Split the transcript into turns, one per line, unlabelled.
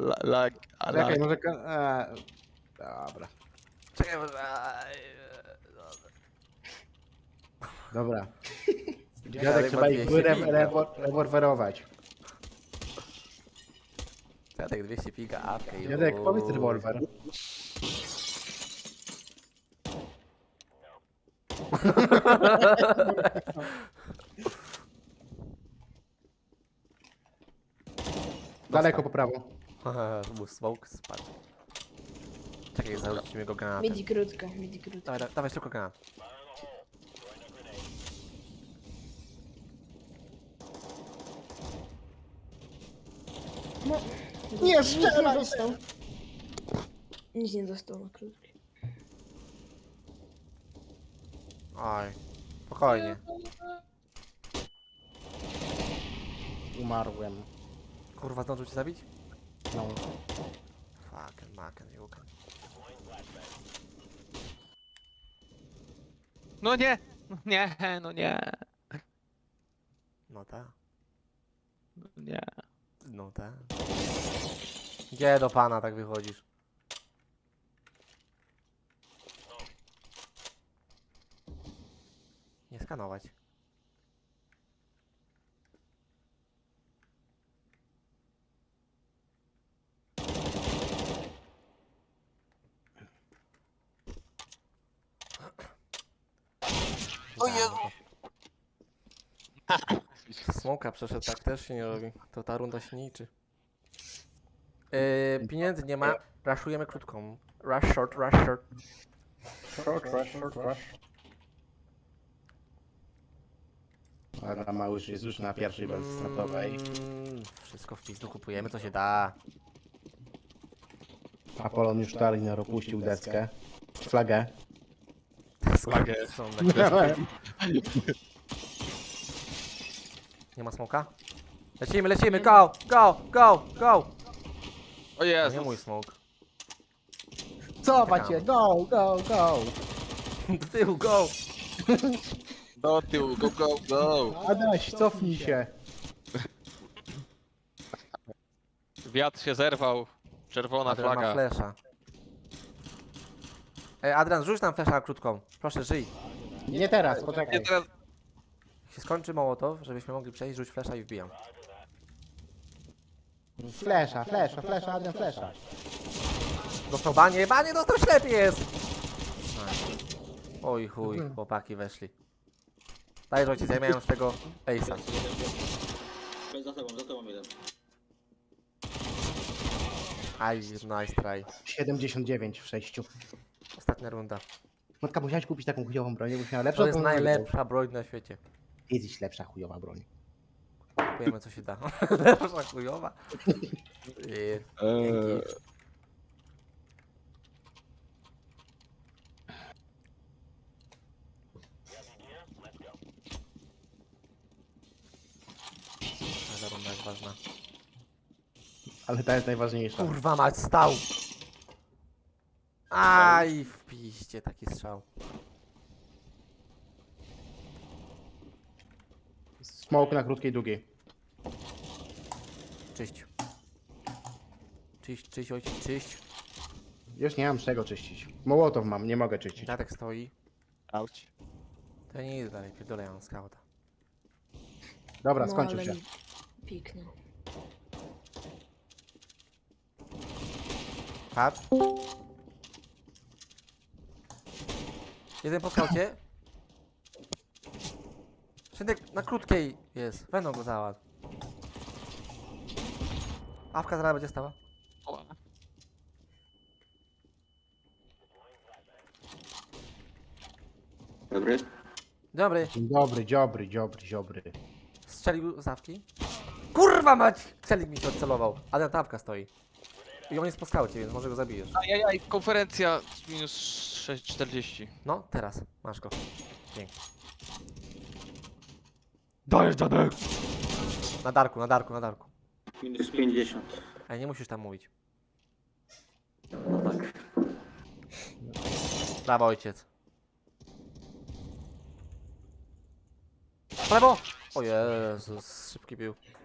Czekaj, może... Dobra.
Czekaj, może...
Dobra. Dziadek trzeba ich rewolwerować.
Dziadek 200 piga, awkę i...
Dziadek, powiedz rewolwer. Daleko po prawo.
Mu smoke spadł. Czekaj, zarzucimy go granatem.
Midi krótka, midi krótka.
Dawaj tylko granat.
No,
Nie,
nic
strzelaj
nie dostał. Nic nie dostał na krótki.
Oj, spokojnie.
Umarłem.
Kurwa, zdążył cię zabić?
No.
Fucking maken, juken.
No nie! No nie, no nie.
No ta,
No nie.
no ta. Gdzie do pana tak wychodzisz? Nie skanować. O Jezu! Smoka przeszedł, tak też się nie robi. To ta runda się nie liczy. Pieniędzy nie ma, raszujemy krótką. Rush short, rush short.
Short. Dobra, Małysz jest już na pierwszej wersji startowej.
Wszystko w pizdu kupujemy, co się da.
Apolon już Taliner opuścił deskę. Flagę.
Flagę.
Są na kresie. Nie ma smoka? Lecimy, go!
O
To nie
Jezus.
mój smok.
Cofać się, go!
Do tyłu, go!
Do tyłu, go.
Adaś, cofnij się.
Wiatr się zerwał. Czerwona
Adrian ma
flaga.
flesza. Adrian, rzuć nam flesza na krótką. Proszę, żyj.
Nie teraz,
Nie,
poczekaj.
teraz...
Jak się skończy Mołotow, żebyśmy mogli przejść, rzuć flesza i wbijam.
Flesza, Adrian, flesza.
Dostał banie, dostał ślepiec! Oj chuj, chłopaki weszli. Daj ojciec, ja miałem z tego ace'a.
Za tobą jeden.
Aj, nice try.
79 w 6.
Ostatnia runda.
Matka, musiałeś kupić taką chujową broń, jakbyś miała lepszą.
To jest
bym
najlepsza broń na świecie.
Kiedyś lepsza chujowa broń.
Kupujemy co się da. Lepsza chujowa. Dzięki. Ta runda jest ważna.
Ale ta jest najważniejsza.
Kurwa mać, stał! Aj, w piździe taki strzał.
Smoke na krótkiej, długiej.
Czyść. Czyść, ojciec, czyść.
Już nie mam z czego czyścić. Mołotow mam, nie mogę czyścić.
Dziadek stoi.
Auć.
To ja nie idę dalej, pierdolę, ja mam skauta.
Dobra,
No,
skończył
ale
się.
mi piknął.
Patrz. Jeden po skaucie. Szydek na krótkiej jest, będą go załatw. Awka zaraz będzie stała.
O,
Dobry.
Dobry.
Dzień dobry.
Strzelił z awki. Kurwa mać! Celik mi się odcelował. Ale ta awka stoi. I on jest po skaucie, więc może go zabijesz.
Ajajaj, konferencja minus 6,40.
No, teraz. Masz go. Dzięki. Dajesz, dziadek! Na darku.
Minus 50.
Ej, nie musisz tam mówić.
No tak.
Brawo, ojciec. Prawo! O Jezus, szybki był.